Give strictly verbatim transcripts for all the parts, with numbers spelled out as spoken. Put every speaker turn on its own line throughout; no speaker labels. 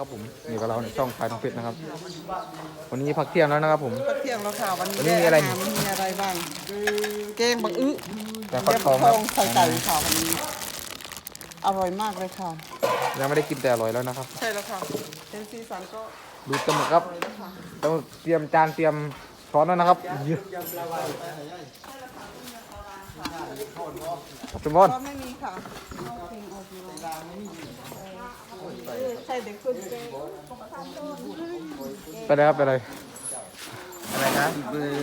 นะครับผมอยู่กับเราในช่องไฟทองเพชรนะครับวันนี้พักเที่ยงแล้วนะครับผม
พักเที่ยงแล้วค่ะวัน
วัน
นี้
นี้มีอะไร
อาหารมีอะไรบ้างแกงบังอึ
แต่
แก
ฟัก
ง
ทอง
ท
ครั
อบ งใส่ไก่ค่ะวันนี้อร่อยมากเลยค่ะ
ยังไม่ได้กินแต่อร่อยแล้วนะครับ
ใช่แล้วค่ะเป็นสีสันก็
ดูตะหมึกครับตะหมึกเตรียมจานเตรียมช้อนแล้วนะครับเยอะขอบคุณบอล
ก็ไม่มีค่ะใช่เด็กคนเก่ง
ไปเลยครับไปเลย
อะไรนะมือ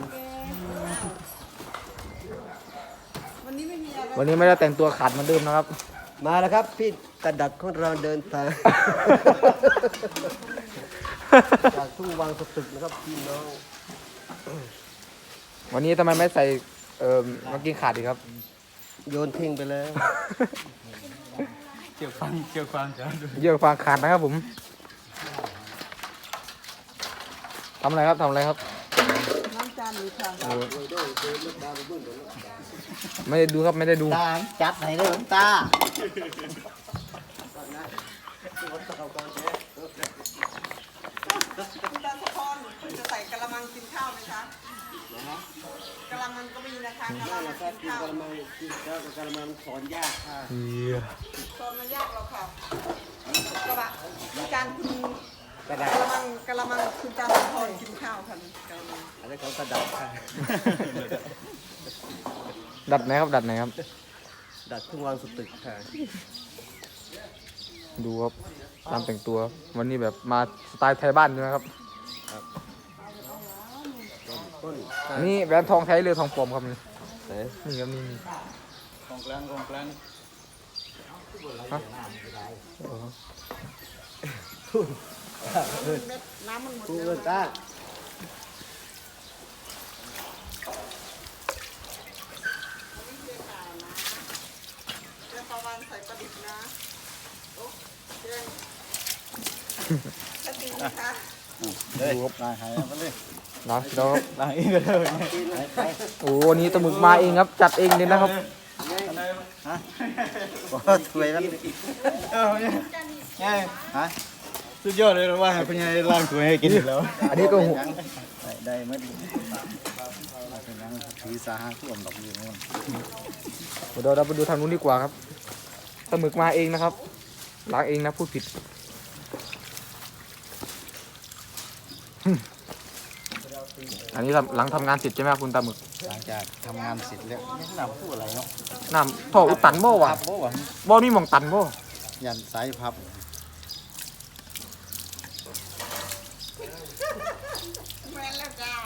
วันนี้ไม่มีอะไร
วันนี้ไม่ได้แต่งตัวขาดเหมือนเดิมนะครับ
มาแล้วครับพี่กระดัดของเราเดินทาง จากทุ่งวังสตึกนะครับพี่น้อง
วันนี้ทำไมไม่ใส่เอ่อเมื่อกี้ขาดอีกครับ
โยนทิ้งไปแล้ว
เกี่ยวฟังเกี่ยวฟังจ้าดู
เยอะฟางขาดนะครับผมทำอะไรครับทำอะไรครับ
น้ำจานนี้ค่ะ
โอ้ไม่ได้ดูครับไม่ได้ดู
ตาจัดไหนเลยตา
คุณตาสะพอนคุณจะใส่กะละมังกินข้าวไหมคะกะละมังก็มีนะคะกะละมังกินข้าว
กระมังกินข้าวกับกระมังสอนยากค่ะ
ตอนมันยากหรอกค่ะกระบะมีการคุณ
กระดัด
กะละมังกะละมังคุณตาสะพอนกินข้าวค่ะกะละมัง
อะไรของกระดัดค่ะ
ดัดไหนครับดัดไหนครับ
ดัดทุ่งวังสตึกค่ะ
ดูครับตามแต่งตัววันนี้แบบมาสไตล์ไทยบ้านใช่ไหมครับ
ต้น
อันนี่แหวนทองแท้หรือทองปลอมครับนี่
ไหน
นี่ครับนี่นี่
ของกลางของกลาง
ฮะอ๋อ
เม็ดน้ำมันหมด
ทุ่ง
แล้ว
เงินตา
เดี๋ยวประวันใส่ปลาดิบนะโอ้เดี๋ยวจะตีนะคะ
ดูครับ
ล้างหายมาเลย
นะแล้ว
ล้างเองก็ได้
โอ้วันนี้ตะหมึกมาเองครับ จัดเองเลยนะครับ
สวยแล้ว
เออเนี่ยไงฮะสุดยอดเลยนะว่าให้เป็นไงล้างถ้วยให้กินอีกแล้ว
อันนี้ก็หัว
ได้ได้ไม่ดีเป็นยังถือสาหะท่วมดอกอยู่นู่น
เดี๋ยวเราไปดูทางนู้นดีกว่าครับตะหมึกมาเองนะครับล้างเองนะพูดผิดอันนี้ทำหลังทำงานเสร็จใช่ไหมครับคุณตาหมึก
หลังจากทำงานเสร็จแล้วยังนำพูดอะไรเนาะ
น้ำท่ออุดตันบ่วะ
พับบ่วะ
บ่มีหมองตันบ่
ยันสายพับ
แม่นแล้วจ้า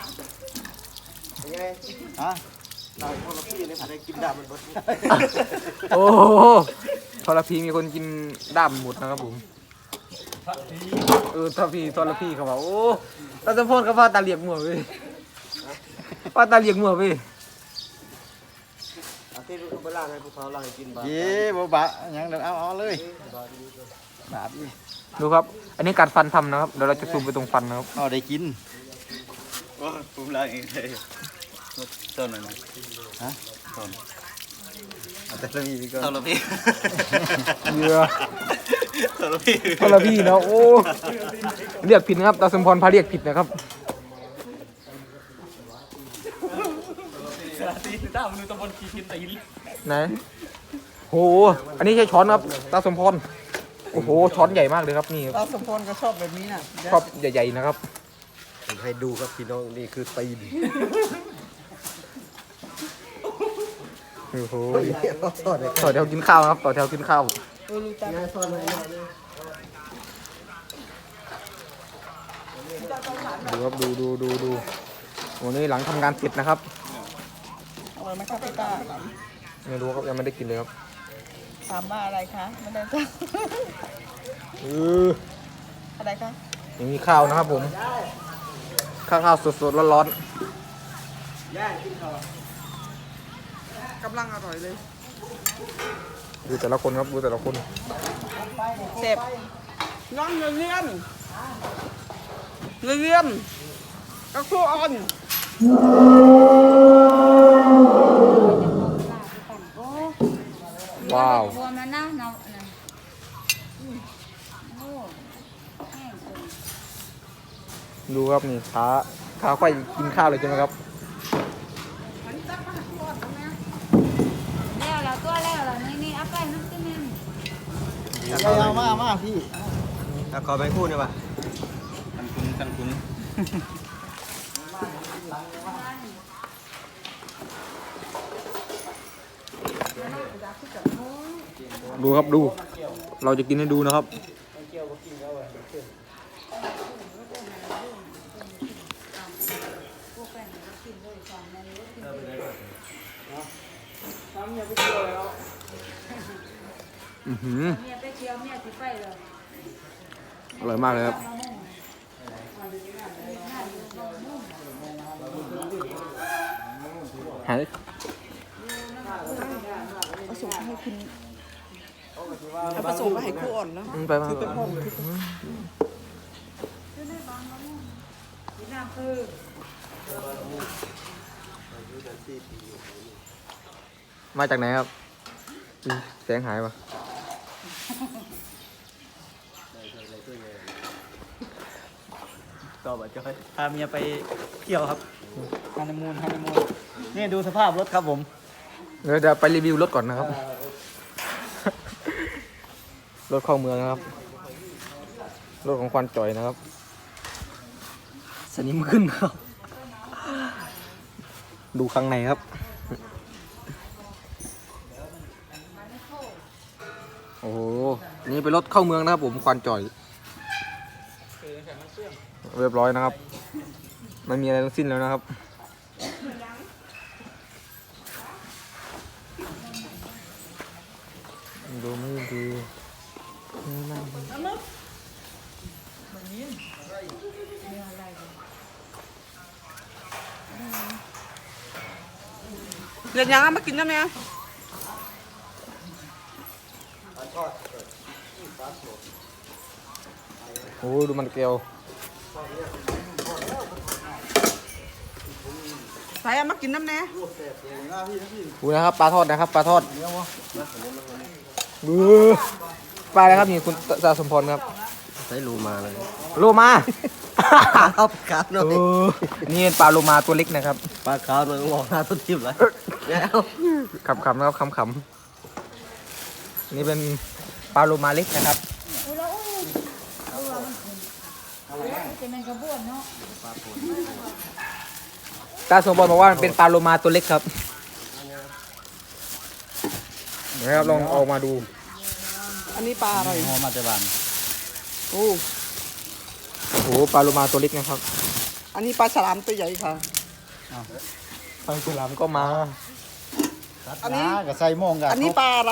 ฮะ
เราคนละพี่เนี่ยผมได้กินดาบมันบด
โอ้โหทรพีมีคนกินด้ามหมดนะครับผมเออทรพีทรพีเขาบอกโอ้ตาสมพลเขาว่าตาเหลียกหมัวเว้ยว่าตาเหลียกหมัวเว้ย
อาทิตย์มันก็ไปล่างให้พวกเขาล่างให้กินบ้าง
เย้บ่บะยังเดินเอาเอาเลยบาดอี
ดูครับ อันนี้การฟันทำนะครับเดี๋ยวเราจะซูมไปตรงฟันนะครับ
เอาได้กินโอ้ผมล้างเองเลยต้นหน่อยนะฮะต้นเอาแต่ละพี่ก็ต้นละพี่
เยื่อ
ต้นละพี่
ทรพีเนาะโอ้เรียกผิดนะครับตาสมพรพาเรียกผิดนะครับ
ตีตามนูตะบนขี้กินตีน
ไหนโหอันนี้ใช้ช้อนครับตาสมพรโอ้โหช้อนใหญ่มากเลยครับนี่
ตาสมพรก็ชอบแบบนี้น่ะ
ชอบใหญ่ๆนะครับ
ผมให้ดูครับพี่น้องนี่คือตีน
โอ้โห
เขาทอดเลย
ต่อแถวกินข้าวนะครับต่อแถวกินข้าว
เออลูกตา
ง่ายทอดเลย
ดูครับดูดูดูดูวันนี้หลังทำงานเสร็จนะครับ
อร่อยไหมคะพี่ตา
ไม่รู้ครับยังไม่ได้กินเลยครับ
ถามว่าอะไรคะไม่ได้จ้า
เออ
อะไรคะ
ยังมีข้าวนะครับผมข้าวข้าวสดๆร้อน
กำลังอร่อยเลย
ๆดูแต่ละคนครับดูแต่ละคน
เจ็บน้องเงื่อนเงื่อนเงื่อนกระคู่อ่อน
ว้าว
บัวมันนะเนาะนะโอ้
ดูครับนี่ขาขาไฟกินข้าวเลยใช่ไหมครับ
แล้วเราตัวแล้วเรานี่นี่อัพไปน้ำจิ้มนี่
เอามามาพี่เอาขอไปคู่หน่อยป่ะ
กันคุ้นกันคุ้น
ดูครับดู เราจะกินให้ดูนะครับอือหือ
เมียไปเที่ยวเมียสิไปเลย
อร่อยมากเลยครับหาย
ผสมให้คุณแล้วผสมมาให้ครูอ่อนแล้ว
อืมไปมา
ที่น้ำคือ
มาจากไหนครับอืมแสงหายปะ
ก็แบบจะพาเมียไปเที่ยวครับฮันนีมูนฮันนีมูนนี่ดูสภาพรถครับผม
เดี๋ยวจะไปรีวิวรถก่อนนะครับ รถเข้าเมืองนะครับ รถของควันจ่อยนะครับสนิมขึ้นครับ ดูข้างในครับ โอ้โห นี่เป็นรถเข้าเมืองนะครับผมควันจ่อย เรียบร้อยนะครับ ไม่มีอะไรทั้งสิ้นแล้วนะครับ ดูไม่ดีไม่ดี
เรียนยังมากินได้ไหม
โอ้ดูมันเกลียว
ใส่มากินน้ำแน่
ดูนะครับปลาทอดนะครับปลาทอดดูปลาอะไรครับนี่คุณสาสมพรครับ
ใช้รูมาเลย
โลมา
ครับครับหน่อย
โอ้นี่เป็นปลาโลมาตัวเล็กนะครับ
ปลาขาวหน่อยมองหน้าต้นทิพย์เลยแล้ว
ขำๆนะครับขำๆนี่เป็นปลาโลมาเล็กนะครับ
อุ้ยแล้วอุ้ยดูว่ามันขึ้นจะเป็นกระบวนเนาะ
ตาสมพรบอกว่ามันเป็นปลาโลมาตัวเล็กครับนะครับลองเอามาดู
อันนี้ปลาอะไร
หอมาแต่บ้าน
โอ้
โอ้โหปลาโลมาตัวเล็กนะครับ
อันนี้ปลาฉลามตัวใหญ่ค่ะ
ปลาฉลามก็มา
อันนี้
กับใส่โมงกัน
อันนี้ปลาอะไร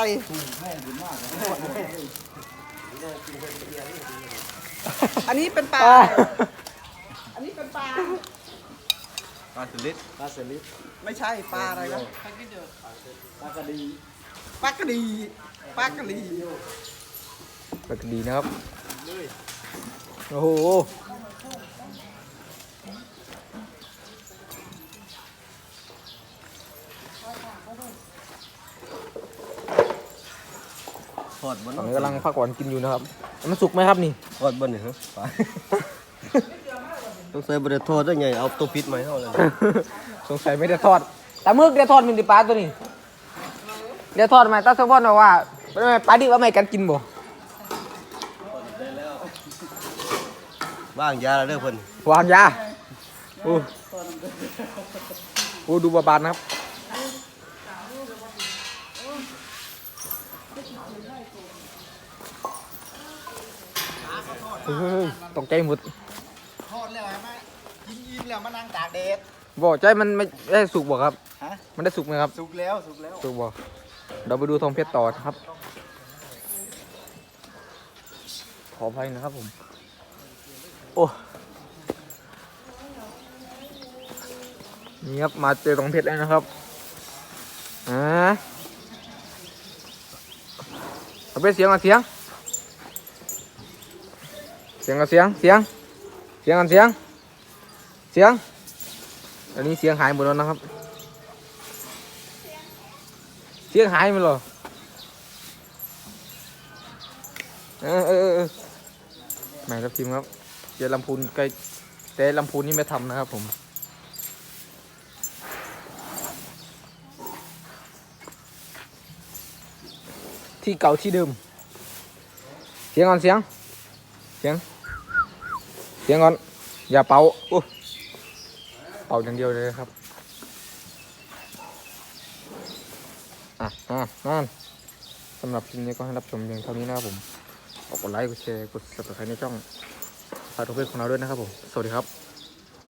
อันนี้เป็นปลา อันนี้เป็นปลา
ปลาสลิด
ปลาสลิด
ไม่ใช่ปลาอะไรนะ
ปลากระดี
ปลากระดีปลากระดี
ปลากระดีนะครับโอ้โห
ทอดบน
ตอนนี้กำลังพักผ่อนกินอยู่นะครับ มันสุกไหมครับนี่
ทอดบนนี่ฮะปลาต้องใส่บริโทอดได้ไงเอาตัวพิษมาให้เท่าเลย
สงสัยไม่ได้ทอดแต่มึกได้ทอดมันดิปลาตัวนี้ได้ทอดไหมตาสมพรบอกว่าไม่ไม่ปลาดิบว่าไม่กันกินบ่
ว่างยาแล้วเด้อเพิ่น
วางยาโอ้โอ้ดูบาบานนะครับเฮ้ยตกใจหมด
ทอดแล้วไหมกินอิ่มแล้วมานั่งตากแดด
บอกใจมันไม่ได้สุกบ่ครับ
ฮะ
มันได้สุกไหมครับ
สุกแล้วสุกแล้ว
สุกบ่เราไปดูทองเพชรต่อนะครับ ขออภัยนะครับผม โอ้ นี่ครับ มาเจอทองเพชรแล้วนะครับอ่าเอาไปเสียงอ่ะเสียง เสียงกับเสียง เสียง เสียงกันเสียง เสียง อันนี้เสียงหายหมดแล้วนะครับ เสียงหายหมดเลยเออเออเออแม่ครับทีมครับเจอลำพูนใกล้แต่ลำพูนนี่ไม่ทำนะครับผมที่เก่าที่เดิมเสียงก่อนเสียงเสียงเสียงก่อนอย่าเป่าโอ้เป่าอย่างเดียวเลยครับอ่ะอ่ะนั่นสำหรับคลิปนี้ก็ให้รับชมเพียงเท่านี้นะครับผมกดไลค์กดแชร์กด ซับสไครบ์ ในช่องพาทุกเพื่อนของเราด้วยนะครับผมสวัสดีครับ